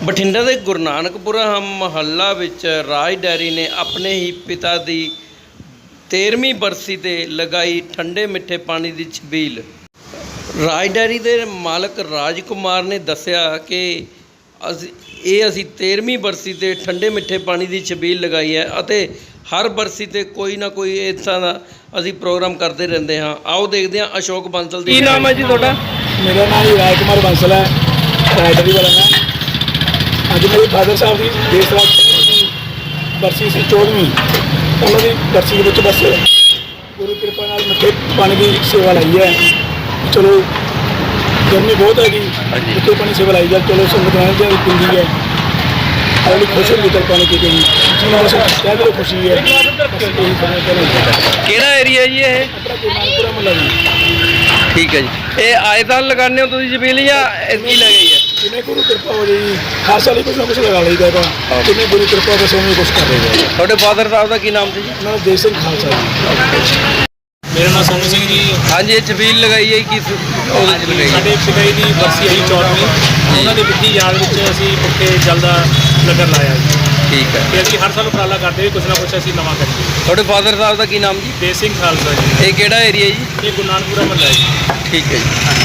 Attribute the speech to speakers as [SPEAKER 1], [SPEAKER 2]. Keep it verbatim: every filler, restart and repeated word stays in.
[SPEAKER 1] ਬਠਿੰਡਾ ਦੇ ਗੁਰੂ ਨਾਨਕਪੁਰਾ ਮੁਹੱਲਾ ਵਿੱਚ ਰਾਜ ਡੈਰੀ ਨੇ ਆਪਣੇ ਹੀ ਪਿਤਾ ਦੀ ਤੇਰ੍ਹਵੀਂ ਬਰਸੀ 'ਤੇ ਲਗਾਈ ਠੰਡੇ ਮਿੱਠੇ ਪਾਣੀ ਦੀ ਛਬੀਲ। ਰਾਜ ਡੈਰੀ ਦੇ ਮਾਲਕ ਰਾਜ ਕੁਮਾਰ ਨੇ ਦੱਸਿਆ ਕਿ ਅਸੀਂ ਇਹ ਅਸੀਂ ਤੇਰ੍ਹਵੀਂ ਬਰਸੀ 'ਤੇ ਠੰਡੇ ਮਿੱਠੇ ਪਾਣੀ ਦੀ ਛਬੀਲ ਲਗਾਈ ਹੈ ਅਤੇ ਹਰ ਬਰਸੀ 'ਤੇ ਕੋਈ ਨਾ ਕੋਈ ਇਸ ਤਰ੍ਹਾਂ ਦਾ ਅਸੀਂ ਪ੍ਰੋਗਰਾਮ ਕਰਦੇ ਰਹਿੰਦੇ ਹਾਂ। ਆਓ ਦੇਖਦੇ ਹਾਂ ਅਸ਼ੋਕ ਬੰਸਲ ਦੀ।
[SPEAKER 2] ਕੀ ਨਾਮ ਹੈ ਜੀ ਤੁਹਾਡਾ?
[SPEAKER 3] ਮੇਰਾ ਨਾਮ ਜੀ ਰਾਜ ਕੁਮਾਰ ਬੰਸਲ ਹੈ, ਰਾਜ ਡੈਰੀ ਵਾਲਾ ਮੈਂ। ਅੱਜ ਮੇਰੇ ਫਾਦਰ ਸਾਹਿਬ ਦੀ ਦੇਸ਼ ਰਾਜ ਦੀ ਬਰਸੀ ਸੀ ਚੌਦ੍ਹਵੀਂ। ਉਹਨਾਂ ਦੀ ਬਰਸੀ ਦੇ ਵਿੱਚ ਬਸ ਗੁਰੂ ਕਿਰਪਾ ਨਾਲ ਮਿੱਠੇ ਪਾਣੀ ਦੀ ਸੇਵਾ ਲਾਈ ਹੈ। ਚਲੋ ਗਰਮੀ ਬਹੁਤ ਹੈਗੀ, ਮਿੱਠੇ ਪਾਣੀ ਸੇਵਾ ਲਾਈ ਜਾ, ਚਲੋ ਸੰਗਤ ਨਾਲ ਦੀ ਪਿੰਦੀ ਹੈ ਅਗਲੀ ਖੁਸ਼ ਹੁੰਦੀ ਚਲ ਪਾਣੀ ਪੀ ਕੇ ਜੀ ਜਿਹਨਾਂ ਬਸ ਕਹਿ ਦਿਓ ਖੁਸ਼ੀ ਹੈ।
[SPEAKER 2] ਕਿਹੜਾ ਏਰੀਆ ਜੀ ਇਹ?
[SPEAKER 3] ਆਪਣਾ ਗੁਰੂ ਨਾਨਕਪੁਰਾ ਮੁਹੱਲਾ ਜੀ।
[SPEAKER 2] ਠੀਕ ਹੈ ਜੀ। ਇਹ ਆਏ ਸਾਲ ਲਗਾਉਂਦੇ ਹੋ ਤੁਸੀਂ ਛਬੀਲ ਜਾਂ ਐਤਕੀ ਲਗਾਈ ਹੈ?
[SPEAKER 3] ਜਿਵੇਂ ਗੁਰੂ ਕਿਰਪਾ ਹੋ ਜਾਏ ਜੀ, ਹਰ ਸਾਲ ਹੀ ਕੁਛ ਨਾ ਕੁਛ ਲਗਾ ਲਈਦਾ ਹੈਗਾ। ਜਿਵੇਂ ਗੁਰੂ ਕਿਰਪਾ ਬਸ ਉਵੇਂ ਕੁਛ ਕਰ ਰਹੇ ਹਾਂ।
[SPEAKER 2] ਤੁਹਾਡੇ ਫਾਦਰ ਸਾਹਿਬ ਦਾ ਕੀ ਨਾਮ ਸੀ ਜੀ?
[SPEAKER 3] ਉਹਨਾਂ ਦਾ ਦੇਸ਼ ਸਿੰਘ ਖਾਲਸਾ ਜੀ।
[SPEAKER 4] ਮੇਰਾ ਨਾਮ ਸੋਨੂ ਸਿੰਘ ਜੀ।
[SPEAKER 2] ਹਾਂਜੀ, ਇਹ ਛਬੀਲ ਲਗਾਈ ਹੈ ਕਿਸ ਉਹਦੇ 'ਚ ਲਗਾਈ ਹੈ?
[SPEAKER 4] ਸਾਡੇ ਪਿਤਾ ਜੀ ਦੀ ਬਰਸੀ ਆਈ ਚੌਦ੍ਹਵੀਂ, ਉਹਨਾਂ ਦੀ ਵਿੱਤੀ ਯਾਦ ਵਿੱਚ ਅਸੀਂ ਪੁੱਠੇ ਜਲ ਦਾ ਲੰਗਰ ਲਾਇਆ ਜੀ।
[SPEAKER 2] ਠੀਕ ਹੈ।
[SPEAKER 4] ਤੇ ਅਸੀਂ ਹਰ ਸਾਲ ਉਪਰਾਲਾ ਕਰਦੇ ਵੀ ਕੁਛ ਨਾ ਕੁਛ ਅਸੀਂ ਨਵਾਂ ਕਰੀਏ।
[SPEAKER 2] ਤੁਹਾਡੇ ਫਾਦਰ ਸਾਹਿਬ ਦਾ ਕੀ ਨਾਮ ਜੀ?
[SPEAKER 4] ਦੇਸ਼ ਸਿੰਘ ਖਾਲਸਾ ਜੀ।
[SPEAKER 2] ਇਹ ਕਿਹੜਾ ਏਰੀਆ ਜੀ?
[SPEAKER 4] ਇਹ ਗੁਰੂ ਨਾਨਕਪੁਰਾ ਮੁਹੱਲਾ ਹੈ ਜੀ।
[SPEAKER 2] ਠੀਕ ਹੈ ਜੀ।